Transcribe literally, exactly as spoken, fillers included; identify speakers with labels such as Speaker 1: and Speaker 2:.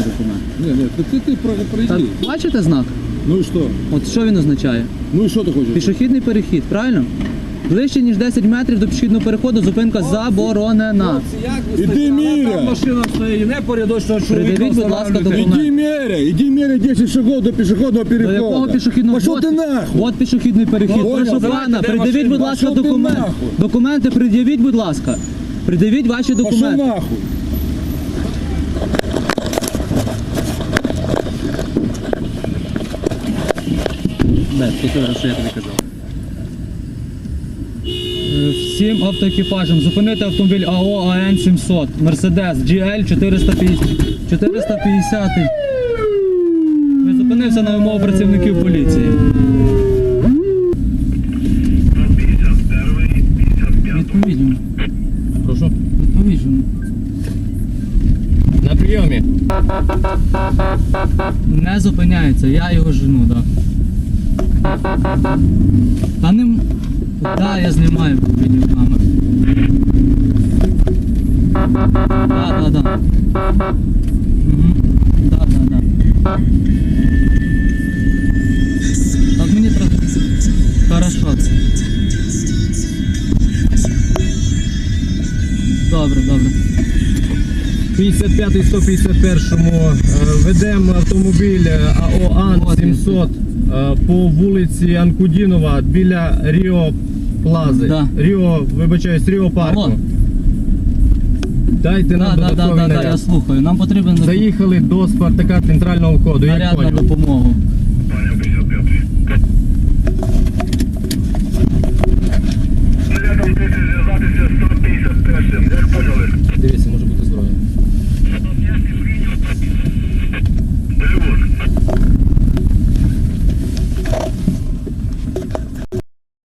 Speaker 1: документ.
Speaker 2: Ні, ні, ти, ти, ти про-
Speaker 1: Так,
Speaker 2: пройди.
Speaker 1: бачите знак?
Speaker 2: Ну і що?
Speaker 1: От що він означає?
Speaker 2: Ну і що ти хочеш?
Speaker 1: Пішохідний перехід, правильно? Ближче, ніж десять метрів до пішохідного переходу зупинка заборонена.
Speaker 2: Іди міря!
Speaker 3: Там машина стоїть, не порядочного чоловіка.
Speaker 1: Придивіть, будь ласка,
Speaker 3: встановлюйте.
Speaker 1: документ.
Speaker 2: Іди міря! Іди міря десять шагов до пішохідного
Speaker 1: До
Speaker 2: переходу!
Speaker 1: якого пішохідного?
Speaker 2: Пошов
Speaker 1: От-
Speaker 2: ти нахуй!
Speaker 1: От пішохідний перехід.
Speaker 2: Понял,
Speaker 1: Прошу
Speaker 2: давайте,
Speaker 1: пана,
Speaker 3: де
Speaker 1: придивіть,
Speaker 3: машина?
Speaker 1: будь ласка,
Speaker 2: Пошов ти
Speaker 1: документ.
Speaker 2: нахуй.
Speaker 1: Документи пред'явіть, будь ласка. Придивіть ваші
Speaker 2: Пошов
Speaker 1: документи.
Speaker 2: нахуй!
Speaker 1: Бет, послухай, що я тобі казав. Е, Всім автоекіпажам зупинити автомобіль АО АН сімсот, Мерседес джі ель чотириста п'ятдесят. Він зупинився на вимогу працівників поліції. Відповідь.
Speaker 3: Прошу.
Speaker 1: Відповідь.
Speaker 3: На прийомі.
Speaker 1: Не зупиняється, я його жену, так. Та не... м- Да, я знімаю відеокамеру. Да, да, да. Угу. Да, да, да. Так мені треба... Хорошо. Добре, добре.
Speaker 3: п'ятдесят п'ятий сто п'ятдесят першому ведемо автомобіль АО АН сімсот е, по вулиці Анкудінова біля Ріо Плази.
Speaker 1: Да.
Speaker 3: Ріо, вибачаюсь, Ріо парку.
Speaker 1: Алло.
Speaker 3: Дайте
Speaker 1: Да,
Speaker 3: нам
Speaker 1: да, да,
Speaker 3: додатковий
Speaker 1: да, да, я
Speaker 3: наряд.
Speaker 1: слухаю. Нам потрібен
Speaker 3: Заїхали до Спартака центрального входу, як
Speaker 1: наряд на
Speaker 3: поняв.
Speaker 1: допомогу.